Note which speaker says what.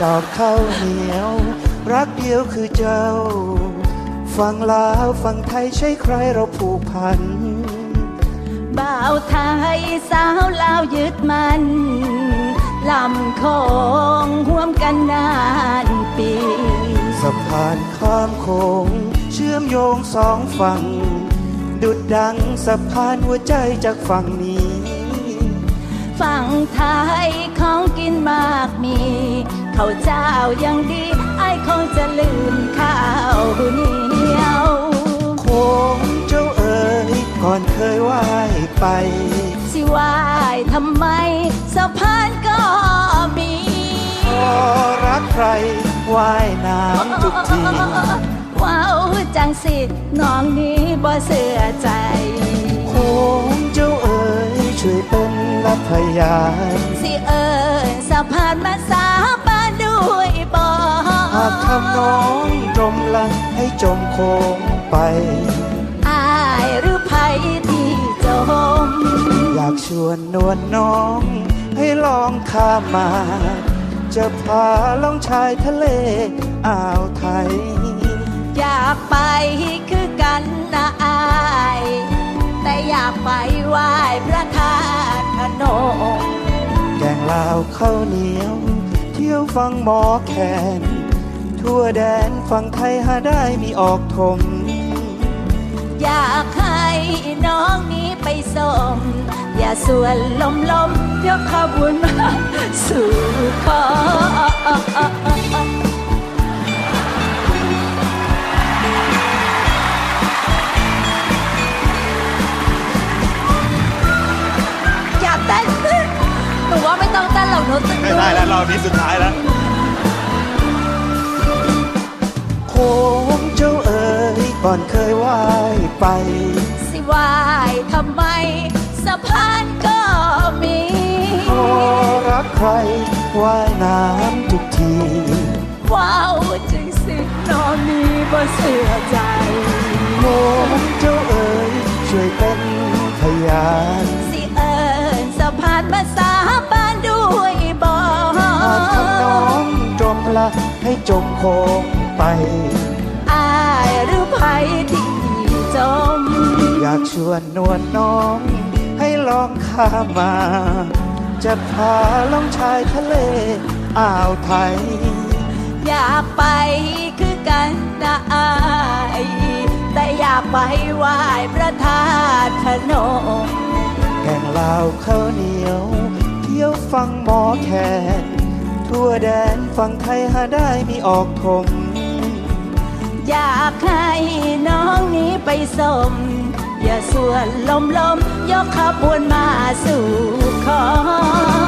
Speaker 1: อบข้าวเหนียวรักเดียวคือเจ้าฟังลาวฟังไทยใช่ใครเราผูกพัน
Speaker 2: บ่าวไทยสาวลาวยึดมันลำโคงห่วมกันนานปี
Speaker 1: สะพานข้ามโขงเชื่อมโยงสองฝั่งดุจดังสะพานหัวใจจากฝั่งนี้
Speaker 2: ฝั่งไทยของกินมากมีข้าวเจ้ายังดีไอ้คงจะลืมข้าวเหนียว
Speaker 1: โค้งเจ้าเอ๋ยก่อนเคยว่ายไป
Speaker 2: สิว่ายทำไมสะพานก็มี
Speaker 1: พอรักใครว่ายน้ำทุกที
Speaker 2: ว้าวจังสิน้องนี้บ่เสื่อใจ
Speaker 1: โค้งเจ้าเอ๋ยช่วยเป็นรับพยาน
Speaker 2: สิสะพานมาสาบานด้วยบ่
Speaker 1: หากทำน้องจมละให้จมโค้งไป
Speaker 2: อายหรือไผที่จม
Speaker 1: อยากชวนนวลน้องให้ลองข้ามมาจะพาล่องชายทะเลอ่าวไทย
Speaker 2: อยากไปคือกันนะอายแต่อยากไปไหว้พระธาตุพนม
Speaker 1: แกงลาวข้าวเหนียวเที่ยวฟังหมอแคนทั่วแดนฝั่งไทยหาได้มีออกทง
Speaker 2: อยากให้น้องนี้ไปส่งอย่าส่วนลมยกขบวนมาสู่ขออย่าเต้นหนูว่าไม่ต้องเต้นหรอกหนูตึง
Speaker 3: ไม่ได้แล้วรอบนี้สุดท้ายแล้ว
Speaker 1: โค้งเจ้าเอ๋ยก่อนเคยว่ายไป
Speaker 2: สิว่ายทำไมสะพานก็มี
Speaker 1: พอรักใครว่ายน้ำทุกที
Speaker 2: ว้าวจริงสิน้องนี้บ่เสื่อใจ
Speaker 1: โค้งเจ้าเอ๋ยช่วยเป็นพยาน
Speaker 2: สิสะพานมาสาบานด้วยบ่
Speaker 1: หากทำน้องจมละให้จมโค้งไป
Speaker 2: อายหรือไผที่จม
Speaker 1: อยากชวนนวลน้องให้ลองข้ามมาจะพาล่องชายทะเลอ่าวไทย
Speaker 2: อยากไปคือกันนะอายแต่อยากไปไหว้พระธาตุพนม
Speaker 1: แกงลาวข้าวเหนียวเที่ยวฟังหมอแคนทั่วแดนฝั่งไทยหาได้มีออกทง
Speaker 2: อยากให้น้องนี้ไปส่งอย่าส่วนลมยกขบวนมาสู่ขอ